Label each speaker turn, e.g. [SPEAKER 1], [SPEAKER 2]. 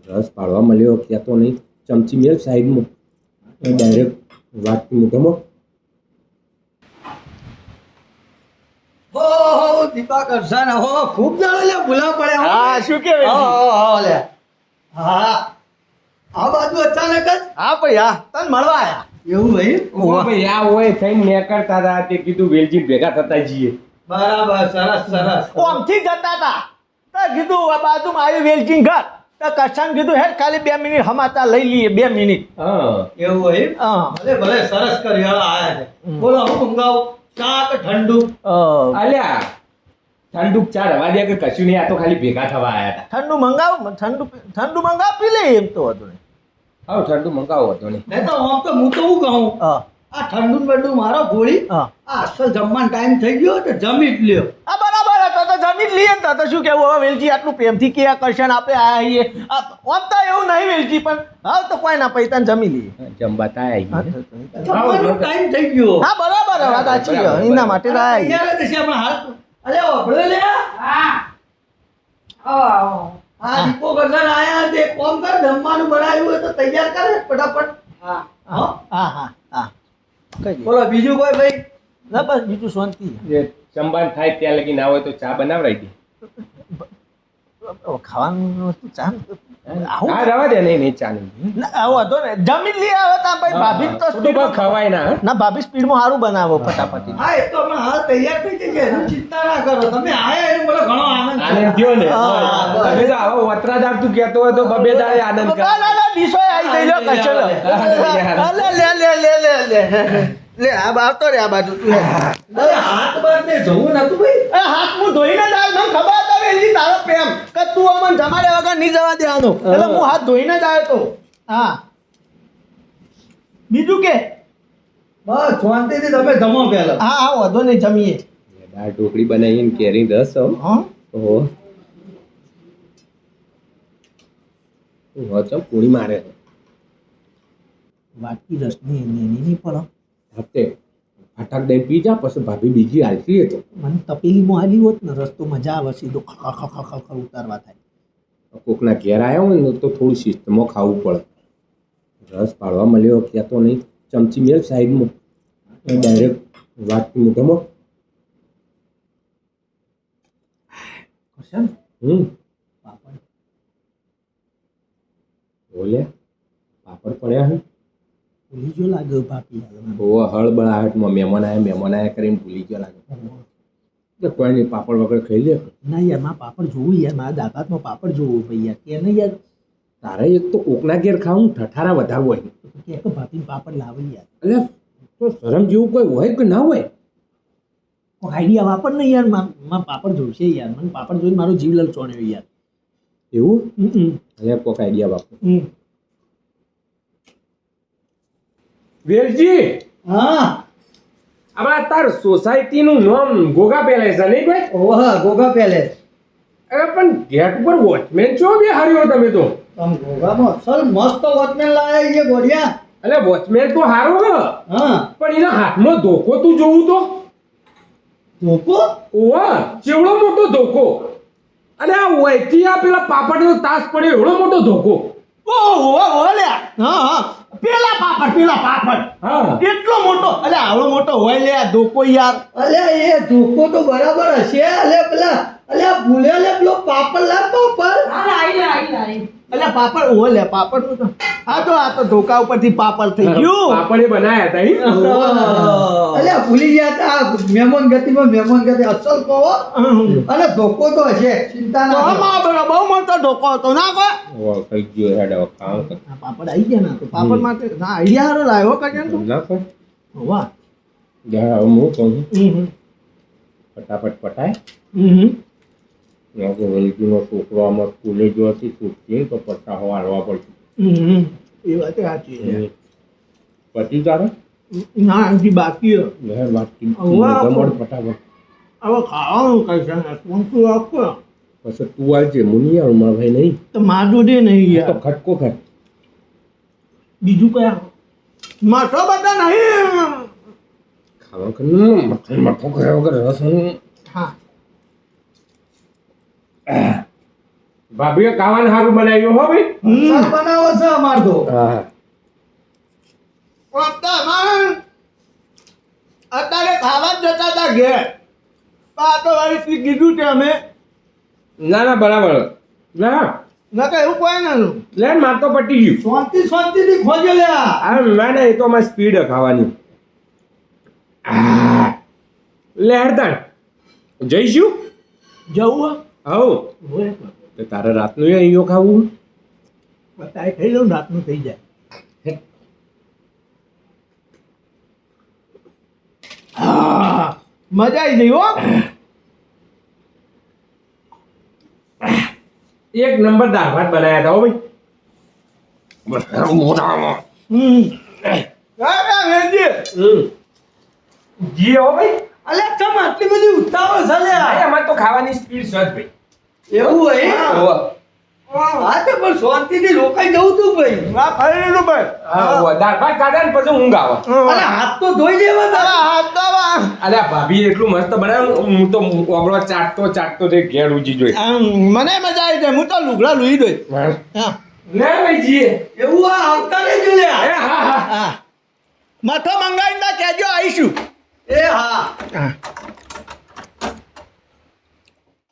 [SPEAKER 1] રસ પાડવા મળ્યો ક્યાં તો નહીં ચમચી મેળ સાઈડમાં ડાયરેક્ટ વાટકી મોઢામાં.
[SPEAKER 2] હો દીપા કરશન હો ખૂબ જાણે લે ભૂલા પડે હો.
[SPEAKER 3] હા શું કે
[SPEAKER 2] હો લે હા આ બાજુ અચાનક જ
[SPEAKER 3] હા ભાઈ હા તને મળવા આયા
[SPEAKER 2] એવું ભાઈ
[SPEAKER 1] ભાઈ આ હોય થઈને મેં કરતા હતા તે કીધું વેલજી ભેગા થતા જઈએ.
[SPEAKER 2] બરાબર સરસ સરસ
[SPEAKER 3] ઓમથી જતા હતા તો કીધું આ બાજુમાં આવ્યું વેલચીન ઘર તો કશાને કીધું હેડ ખાલી 2 મિનિટ સમાચાર લઈ લઈએ 2 મિનિટ.
[SPEAKER 1] હા
[SPEAKER 2] એવું ભાઈ
[SPEAKER 3] હા
[SPEAKER 2] ભલે ભલે સરસ કરી હાલ આયા છે બોલો હું મંગાવું ચા કે ઠંડુ
[SPEAKER 1] અલ્યા ઠંડુ ચા રવા દે કે કશું નહીં આ તો ખાલી ભેગા થવા આયા હતા.
[SPEAKER 3] ઠંડુ મંગાવ ઠંડુ મંગાવ પી લઈએ એમ તો હતું નહીં.
[SPEAKER 1] હા ઠંડુ મંગાવો હતો નહીં.
[SPEAKER 2] નહીં તો આમ તો હું તો હું કહું
[SPEAKER 3] હા
[SPEAKER 2] આ ઠંડુ ને બંડુ મારો ગોળી
[SPEAKER 3] હા
[SPEAKER 2] આ અસલ જમવાનો ટાઈમ થઈ ગયો તો જમી જ લ્યો
[SPEAKER 3] આ બરાબર હતો તો જમી જ લઈએ ને તો શું કેવું હવે વેલજી આટલું પ્રેમથી કયા કરશે ને આપણે આયા છીએ આમ તો એવું નહીં વેલજી પણ હા તો કોઈ ના પૈસા જમી લઈએ.
[SPEAKER 1] જમવા તા આવી
[SPEAKER 3] હા,
[SPEAKER 1] ગયા.
[SPEAKER 2] જમવાનો ટાઈમ થઈ ગયો
[SPEAKER 3] હા બરાબર હવે વાત સાચી છે. એના માટે તો આયા છીએ.
[SPEAKER 2] તૈયાર જ છે પણ હાલ અરે ઓભળે લે આ દીપો કરશન આયા તે કોમ કર જમવાનું બનાવ્યું હોય તો તૈયાર કરે ફટાફટ
[SPEAKER 3] હા હા હા કઈ દે.
[SPEAKER 2] બોલો બીજું કોઈ ભાઈ
[SPEAKER 3] ના બસ બીજું શાંતિ
[SPEAKER 1] જે જમવાનું થાય ત્યાં લગી ના હોય તો ચા બનાવડાવી દે.
[SPEAKER 3] ખાવાનું હતું ચા આવું
[SPEAKER 1] હા રવા દે નહીં નહીં ચા નહીં.
[SPEAKER 3] ના આવો હતો ને જમી જ લઈએ હવે તા ભાઈ ભાભી તો
[SPEAKER 1] ખોટું બહુ ખવાય ના હં?
[SPEAKER 3] ના ભાભી સ્પીડમાં સારું બનાવો ફટાફટ.
[SPEAKER 2] હા એ તો હમણાં હાલ તૈયાર થઈ જશે એનું ચિંતા ના કરો તમે આયા એનું મને ઘણો આનંદ છે.
[SPEAKER 1] આનંદ થયો ને
[SPEAKER 3] હા,
[SPEAKER 2] બસ.
[SPEAKER 1] હવે તો આવો વતરાદાર તું કહેતો હોય તો બબે દાડે આનંદ કર.
[SPEAKER 3] ના ના ના ડીશો આવી ગઈ લો કચો લો. લે લે લે લે લે લે લે આ આવતો રે આ બાજુ તું લે.
[SPEAKER 2] અરે હાથ બાર ને જવું નતું ભાઈ
[SPEAKER 3] એ હાથ હું ધોઈને જ આવ્યો મને ખબર હતા વેલજી તારો પ્રેમ કે તું અમને જમાડે વગર નહીં જવા દેવાનો એટલે હું હાથ ધોઈને જ આવ્યો તો. હા બીજું કે
[SPEAKER 2] બસ શાંતિથી તમે જમો પહેલા
[SPEAKER 3] હા હા વધો નહીં જમીએ.
[SPEAKER 1] દાળ ઢોકળી બનાવીને કેરી રસ હો.
[SPEAKER 3] હા
[SPEAKER 1] ઓહો ચમ પૂરી મારે
[SPEAKER 3] વાટકી રસની એની નહીં પણ
[SPEAKER 1] હપ્તે ફટાક દઈ પી જા પછી ભાભી બીજી હાલતી હતો.
[SPEAKER 3] મને તપેલીમાં આવી હોત ને રસ તો મજા આવે સીધો ખખ ઉતારવા થાય.
[SPEAKER 1] કોકના ઘેર આવ્યા હોય ને તો થોડું શિસ્તમાં ખાવું પડે. રસ પાડવા મળ્યો ક્યાં તો નહીં ચમચી મેળ સાઈડમાં ડાયરેક્ટ વાટકી મોઢામાં.
[SPEAKER 3] કરશન પાપડ
[SPEAKER 1] બોલે પાપડ પડ્યા હે.
[SPEAKER 3] ભૂલી જો લાગ્યો ભાભી હાલ.
[SPEAKER 1] બહુ હળબળાહટમાં મહેમાન આવ્યા કરીને ભૂલી ગયા લાગે. તો કોઈ નહીં પાપડ વગર ખાઈ લે.
[SPEAKER 3] ના યાર મારા પાપડ જોવું યાર મારા દાદામાં પાપડ જોવું ભાઈ યાર કે નહીં યાર
[SPEAKER 1] તારે એક તો કોકના ઘેર ખાવું ઠઠારા વધારે હોય.
[SPEAKER 3] કે ભાભી પાપડ લાવે યાર
[SPEAKER 1] એટલે તો શરમ જેવું કોઈ હોય કે ના હોય.
[SPEAKER 3] કોઈ આઈડિયા વાપર ને યાર મારા પાપડ જોશે યાર મને પાપડ જોઈને મારો જીવ લલચોણ્યો યાર.
[SPEAKER 1] એવું
[SPEAKER 3] હમ
[SPEAKER 1] એટલે કોક આઈડિયા બાપુ.
[SPEAKER 3] હમ
[SPEAKER 1] વેલજી
[SPEAKER 2] હા
[SPEAKER 1] આમાં તાર સોસાયટીનું નામ ગોગા પેલેસ છે નહીં ભાઈ?
[SPEAKER 2] ઓહા ગોગા પેલેસ
[SPEAKER 1] અરે પણ ગેટ ઉપર વોચમેન છો બે હાર્યો તમે તો.
[SPEAKER 2] તમ ગોગામાં અસલ મસ્ત વોચમેન લાયા છે ગોડિયા
[SPEAKER 1] એટલે વોચમેન તો હારો હ
[SPEAKER 2] હા
[SPEAKER 1] પણ એના હાથમાં ધોકો તું જોવું તો
[SPEAKER 2] ધોકો
[SPEAKER 1] ઓવા ચેવડો મોટો ધોકો. અને આ વૈથી આ પેલા પાપડનો તાસ પડ્યો એવડો મોટો ધોકો.
[SPEAKER 3] ઓહો લ્યા હા હા પેલા પાપડ
[SPEAKER 1] હા
[SPEAKER 3] એટલો મોટો અલે આવડો મોટો હોય લે આ ધોકો યાર.
[SPEAKER 2] અલ્યા એ ધોકો તો બરાબર હશે અલ્યા પેલા અલ્યા ભૂલે લે પેલો પાપડ લા પાપડ
[SPEAKER 3] અલે પાપડ ઓહો લે પાપડ નું તો આ તો ધોકા ઉપરથી પાપડ થઈ ગયું.
[SPEAKER 1] પાપડે બનાયા હતા ઈ.
[SPEAKER 2] અલ્યા ભૂલી ગયા તા મહેમાન ગતિ અસલ કહો અને ધોકો તો હશે ચિંતા ના કરો.
[SPEAKER 3] આમાં બહુ મોટો ધોકો હતો ના કોઈ
[SPEAKER 1] ઓ થઈ ગયો હેડ હવે કામ કર.
[SPEAKER 3] આ પાપડ આવી ગયા ના તો પાપડ માટે ના આઈડિયા હારો લાવ્યો કજન તું
[SPEAKER 1] ના કોઈ
[SPEAKER 3] વાહ
[SPEAKER 1] જા હવે હું કહું
[SPEAKER 3] હમ
[SPEAKER 1] ફટાફટ પટાય.
[SPEAKER 3] હમ
[SPEAKER 1] વેલજીનો છોકરો આમાં સ્કૂલે જો હતી છૂટતી તો પટ્ટા હવા હાલવા પડશે.
[SPEAKER 3] હમ એ વાત સાચી છે.
[SPEAKER 1] પછી તારે
[SPEAKER 3] ના આમથી બાકી
[SPEAKER 1] લહેર વાટકી
[SPEAKER 3] વાહ.
[SPEAKER 1] જમણ ફટાફટ.
[SPEAKER 3] હવે ખાવાનું કઈ છે ને કોણ તું આપો
[SPEAKER 1] પછી તું આવજે મુનિ આવું મારા ભાઈ નહીં
[SPEAKER 3] તો માર જોડે નહીં
[SPEAKER 1] તો
[SPEAKER 3] યાર
[SPEAKER 1] ખટકો ખટ.
[SPEAKER 3] બીજું કયા માથો બધા નહીં
[SPEAKER 1] ખાવા કર મઠો કર્યા વગર રસ
[SPEAKER 3] હા
[SPEAKER 1] ભાભીએ ખાવાનું સારું બનાવ્યું હો ભાઈ.
[SPEAKER 2] સર બનાવો છે અમાર તો
[SPEAKER 1] હા
[SPEAKER 3] અત્યારે ખાવા જ જતા હતા ઘેર આ તો વળી કીધું છે અમે
[SPEAKER 1] ના ના બરાબર ના
[SPEAKER 3] નકર એવું કોઈ ના
[SPEAKER 1] લે માર તો પટી ગયું.
[SPEAKER 2] શાંતિથી ખોજો લ્યા
[SPEAKER 1] આ ના ના એ તો અમારી સ્પીડ ખાવાની. લે હેડતાણ જઈશું.
[SPEAKER 3] જવું
[SPEAKER 1] હવ તો તારે રાતનું અહીંયા ખાવું.
[SPEAKER 3] બતાય થઈ લઉં રાતનું થઈ જાય હા મજા આવી ગઈ હો
[SPEAKER 1] એક નંબર દાળ ભાત બનાવ્યા હતા હો ભાઈ. મોઢામાં જી હો ભાઈ.
[SPEAKER 2] અલ્યા ચમ આટલી બધી ઉતાવળ છે લ્યા
[SPEAKER 1] અમારે તો ખાવાની સ્પીડ છે જ ભાઈ.
[SPEAKER 2] એવું હોય હા તો પણ શાંતિથી રોકાઈ જવું તું ભાઈ
[SPEAKER 3] આ ખાઈ લીધું ભાઈ
[SPEAKER 1] દાળ ભાત ખાધા ને પછી ઊંઘ આવે.
[SPEAKER 2] અરે હાથ તો ધોઈ દેવા તારા
[SPEAKER 3] હાથ દવા
[SPEAKER 1] અલ્યા ભાભી એટલું મસ્ત બનાવ્યું હું તો ઓગળો ચાટતો તે ઘેર ઉજી જોઈ.
[SPEAKER 3] મને મજા આવી જાય હું તો લુગડા લુઈ દઈ હા
[SPEAKER 1] લે ભાઈ જીએ.
[SPEAKER 2] એવું આ આવતા રહેજો લ્યા
[SPEAKER 1] હા હા
[SPEAKER 3] હા મથો મંગાવીને કહેજો આવીશું
[SPEAKER 2] એ હા
[SPEAKER 3] હા